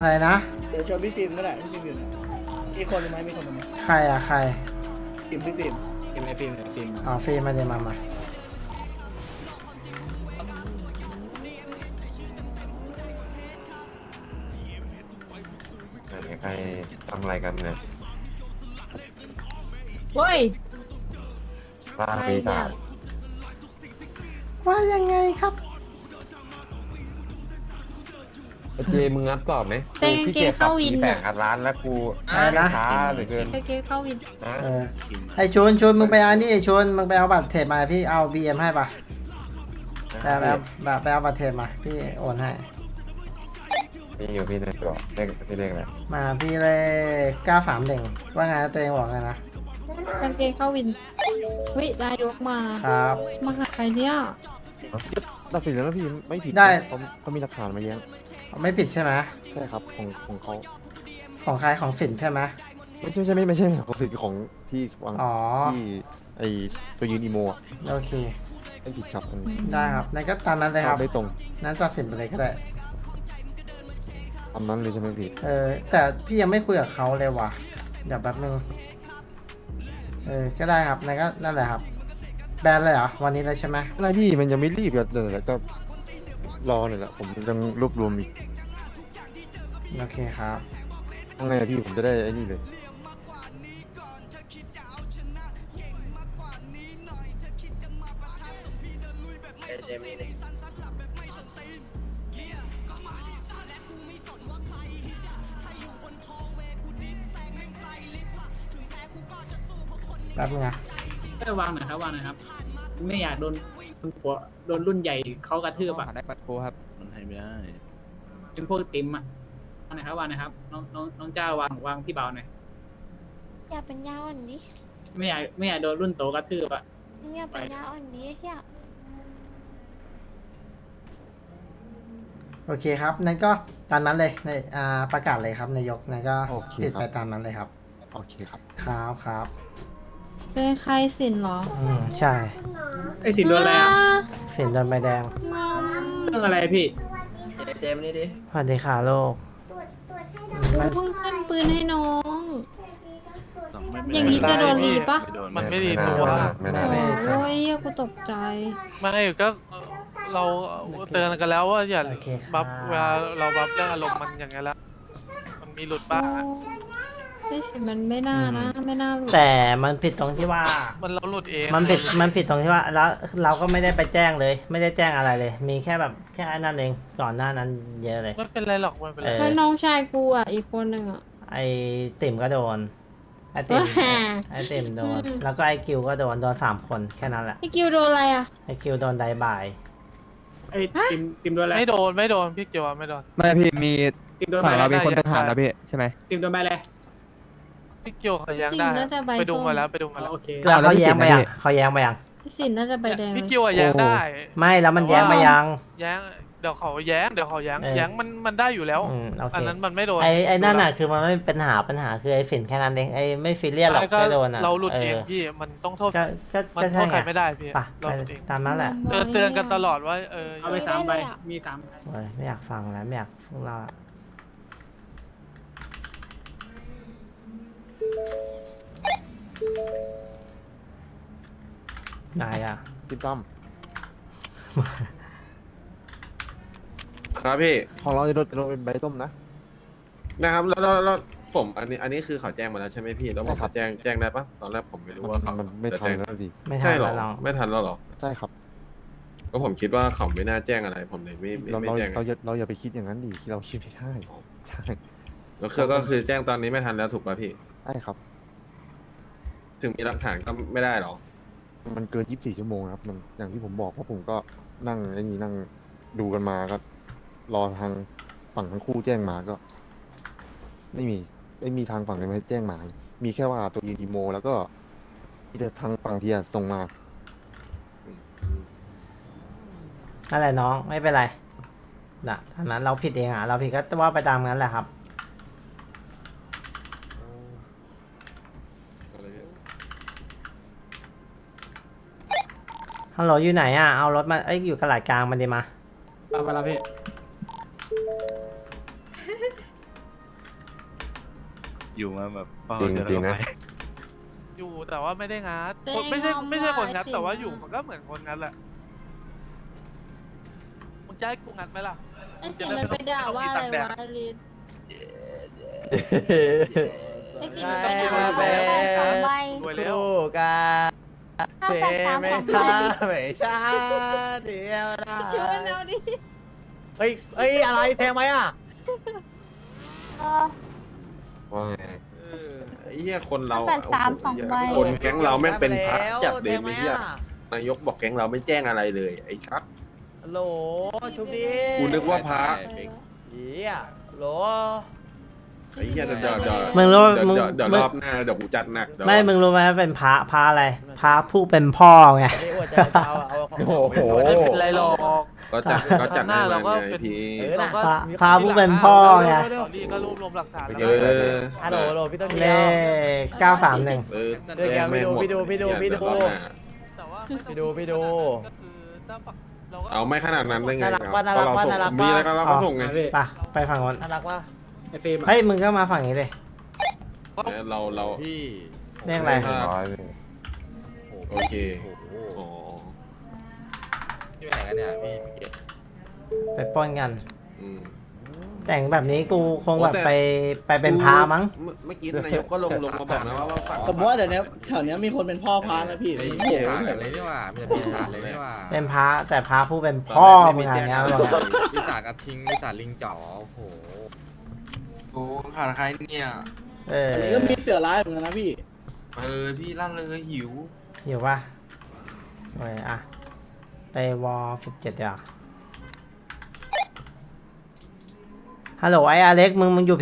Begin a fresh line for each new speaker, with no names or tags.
อะไรนะ
เดี๋ยวชวนพี่ซิมก็ได้พี่ซิมอยู่ไหนมีคนไหมมีคนไหม
ใครอะใคร
ซิมพี่ซิมฟิล์มไอฟิล์มไอฟิล์ม
อ๋อฟรีมาเดี๋ยวมา
ใครทำอะไรกันเนี่ย
เว้ย
ล่า
ใคร
ปี
เนี่
ศาย จ
ว่ายังไงครับ
เจมึงงัดตอบไหม
แต่กางเกงเข้าวิน
แฝ
น่ะ
งอัดร้านแล้วกู
อะไรนะ
ช้าเหลือเกิน
กางเกงเข้าวิน
นะ
เออไอชวนมึงไปเอานี่ไอชวนมึงไปเอาบัตรเทรดมาพี่เอา BM ให้ปะไปเอาบัตรเทรดมาพี่โอนให้
นี่อยู่พี่ในกรอบเลขพี่เลขอะไร
มาพี่เลย931ว่าไงตัวเองบอกไงนะ
กางเกงเข้าวินวินายกมา
ครับ
มาหาใครเนี่ย
ตัดสินแล้วนะพี่ไม่ผิด
ได้
เขามีหลักฐานมาแย้ง
ไม่ผิดใช่ไหม
ใช่ครับของเขา
ของใครของฝิ่นใช่ไหม
ไม่ใช่ของสิทธิ์ของที่วาง
อ๋อ
ที่ไอตัวยืนอีโมอะ
โอเค
ไม่ผิดครับมัน
ได้ครับนั่นก็ตามนั้นเลยครับ
ได้ตรง
นั้นตัดสินไปเลยก็ได้
ตามนั้นเลยใช่ไหมพี่
แต่พี่ยังไม่คุยกับเขาเลยว่ะเดี๋ยวแป๊บนึงก็ได้ครับนั่นก็นั่นแหละครับแบนเลยเหรอวันนี้เลยใช่ไหม
อะไรพี่มันยังไม่รีบกันเลยแล้วก็รอหน่อยละผมยังรวบรวมอีก
โอเคครับ
ยังไงอะพี่ผมจะได้ไอ้นี่เลย
แป๊บนึงนะ
วางหน่อยครับวางหน่อยครับ ไม่อยากโดนหัวโดนรุ่นใหญ่เขากระทืบอ่ะ
ได้ปัดโกครับมันให้ไม่ได้
เป็นพวกติมอ่ะวางหน่อยครับวางหน่อยครับน้องเจ้าวางพี่เบาหน่อย
อย่าเป็นยาอ่อนดิ
ไม่อยากโดนรุ่นโตกระทืบอ่ะ
อย่าเป็นยาอ่อนดิเฮีย
โอเคครับนั่นก็ตามนั้นเลยในประกาศเลยครับนายกนั่นก็
โอเค
ปิด
ครับ
ไปตามนั้นเลยครับ
โอเคครับ
ครับ
เป็นใครสินเหรอ
ใช่
ไอ้สินโดนอะไรอ่ะ
ฝิ่นโดนใบแดง
งอม
เรื่องอะไรพี่
เจมนี่ดิ
สวัสดีค่ะโลก
กูเพิ่งขึ้นปืนให้น้อง
ไม่
อย่างนี้จะโดนรีปะ
มันไม่ดี
ไม่
ตัว
ได้ไม่ได้
ไม่
โอ้ยเหี้ยกูตกใจ
ไม่ก็เราเตือนกันแล้วว่าอย่า
โอเคครับ
บัฟเวลาเราบัฟเรื่องอารมณ์มันอย่างเงี้ยแล้วมันมีหลุดบ้างอะ
ไอ้สิมันไม่น่านะไม่น่าหลุด
แต่มันผิดตรงที่ว่า
มันเราหลุดเอง
มันผิดตรงที่ว่าแล้วเราก็ไม่ได้ไปแจ้งเลย ไม่ได้แจ้งอะไรเลย มีแค่แบบแค่นั้นเองก่อนหน้านั้นเยอะเลย
ไม่เป็นไรหรอกไม่เป็นไร
แล้วน้องชายกูอ่ะอีกคนหนึ่งอ่ะ
ไอติ่มก็โดนไอติ่ม
ว้า
ไอติ่มโดน แล้วก็ไอคิวก็โดน3 คนแค่นั้นแหละ
ไอ้กิวโดนอะไรอ่ะ
ไอคิวโดนไดบาย
ไอ้ติมโดนอะไร
ไม่โดนพี่เกียวไม่โดน
ไม่พี่มี
ติมโดน
ฝั่ง
ไป
เรา
แล้ว
มีคนเป็นทหารนะพี่ใช่ไหม
ติมโดนไปเลย
พี่เกียวเขาแย้ง
จริง
ได้
น่าจะใบ
ไปดู
ส้ม
มาแล้วไปดูมาแล้ว
โอเค
แล้วเขาแย้งไปยัง
พี่
เขาแย้งไปยัง
ไอ้สินน่าจะใบแดงเล
พี่
ย
เกียวอะแย้งได้
ไม่แล้วมันแย้งไปยัง
แย้งเดี๋ยวเขาแย้ง
เออ
แย้งมันได้อยู่แล้ว
โอเค
อันนั้นมันไม่โดน
ไอนั่นน่ะคือมันไม่เป็นปัญหาคือไอฝิ่นแค่นั้นเองไอไม่ฟิเลียนหรอก
ใช่ก็
แค่โดนอ่ะ
เราหลุดเองพี่มันต้องโทษ
ก็
มันโท
ใช่
ษใคร
ไง
ไม่ได้พี่
ไป
เราหลุดเอง
ตามนั้นแหละ
เตือนกันตลอดว่า
เอาไป3 ใบมี3 ใบ
โอ้ยไม่อยากฟังแล้วไม่อยากฟังเราอะนายอ่ะ
ติมตั้ม
ครับพี่
ของเราจะโดนเป็นใบต้มนะ
นะครับแล้วผมอันนี้คือเขาแจ้งมาแล้วใช่ไหมพี่แล้วผม
ใช่ครับ
แจ้งได้ปะตอนแรกผมไม่รู้ว่าเขา
มันไม่
จะ
ทัน
แจ้ง
แล้วดิ
ไม่ทั
ใช่
น
เหรอ
แล้วเรา
ไม่ทันแล้วเหรอ
ใช่ครับ
ก็ผมคิดว่าเขาไม่น่าแจ้งอะไร ผมเลย
เรา
ไม่แจ้ง
เราอย่าไปคิดอย่างนั้นดิที่เราคิดไม่ได้ใช่
แล้วก็คือแจ้งตอนนี้ไม่ทันแล้วถูกป่ะพี่
ใช่ครับ
ถึงมีหลักฐานก็ไม่ได้หรอ
มันเกิน24 ชั่วโมงครับมันอย่างที่ผมบอกเพราะผมก็นั่งไอ้นี่นั่งดูกันมาก็ รอทางฝั่งทั้งคู่แจ้งมาก็ ไม่มีทางฝั่งไหนมาแจ้งมา มีแค่ว่าตัวยืนอีโม แล้วก็มีแต่ทางฝั่งเทียส่งมา
อะไรน้องไม่เป็นไรนะตามนั้นเราผิดเองอ่ะเราผิดก็ว่าไปตามนั้นแหละครับฮัลโหลอยู่ไหนอ่ะเอารถมาอยู่กระหลาดกลางมันดีมา
เอาไปแล้วพี่
อยู่มาแบบเฝ้า
จริง
เดือน
จริง
แล้ว
นะ
ก็ไป
อยู่แต่ว่าไม่ได้งัด
ตัวเอง
ไม่ใช่
งอม
ไม่ใช่คนงัด
ไอ้
แต่ว่า
สิง
อยู่มันก็เหมือนคนงัดแหละมึงจะให้กูงัดไหมล่ะ
ไอ้สิงมันไปด่าว่าอะไรวะลินไอ้สิงมันไปด่าว่าอะไร
สองใบ
รวยแล้ว
583 2 ใบ
ไม่ใช่เดียวนะ
ชวนเอาดิ
เฮ้ยอะไรแทงไหมอ่ะ
ว่าไง
ไอ้เหี้ยคนเรา
583 2 ใบ
คนแก๊งเราแม่งเป็นพระจัดเลยไอ้เหี้ยนายกบอกแก๊งเราไม่แจ้งอะไรเลยไอ้ชัด
ฮัลโหลชุบดี
กูนึกว่าพระ
เฮียฮัลโหล
ไอ้เหี้ยเดี๋ยว
มึงรู้มึง
เดี๋ยวรอบหน้าเดี๋ยวกูจัดหนักเดี๋ยว
ไม่มึงรู้ไหมว่าเป็นพระอะไรพระผู้เป็นพ่อไง
นี่อวดใจเอาของ
โอ้โห
ไม่เป็นไรหรอก
ก็จัด
หน้า
ให้
เรา
มัน
ก็
ไง
เป็น
พี่
นะ
พาผู้เป็นพ่อไง
ตอนนี้ก็รวบรวมหลักฐาน
เอ
แล้ว
อ
ฮัลโหลฮัลโหลพี่ต้น
เล
เดียว
ข931
เออ
เดี๋ยวแกไปดู
แจ้ง
ไปดู
ไม่หม
ไปดู
เยวรอบหน้า
แต่ว่าไม่ต้อง
ไปดูไปดู
ก็คือถ้าเราก็
เอาไม่ขนาดนั้นได้ไง
น่ารัก
ครับ
ว่ะน่ารัก
เพ
ว่ะ
ราะ
น่ารั
เรา
ก
ส่ง
ว่ะ
มีอะไรก็เราก็ส่งไง
ไปฝั่งนู้น
น่ารักว่ะ
ไอ้เฟรมอะ
เฮ้ยมึงก็มาฝั่งนี้เลย
เรา
พี่
เรียกอะไร
ร้อยเลย
โอเคอ๋อ
พี่ไปไหนกันเนี่ยพี่เกด
ไปปล้นกัน
อืม
แต่งแบบนี้กูคงแบบ
โอ้แต่
ไปเป็นพระมั้ง
เมื่อกี้นายกก็ลงมาบอกนะว่าฝั่ง
ผมว่าแต่เนี้ยแถวเนี้ยมีคนเป็นพ่อพานะพี่
เลย
โอ้โห
เลยนี่ว่าไม่ใช่พี่สารเลยนี่ว่า
เป็นพระแต่พระผู้เป็นพ่อมึงอะไรเงี้ยบอกนะ
พี่สารกระทิงพี่สารลิงจ๋อโอ้โห
โอ้ขาดใครเนี่ย
เออ
อันนี้ก็มีเสือร้ายเหมือนกันนะพี่
พี่ลั่นเลยหิว
หิวป่ะโอ้ยอ่ะไปวอล17เดี๋ยวาฮัลโหลไอ้อเล็กมึงอยู่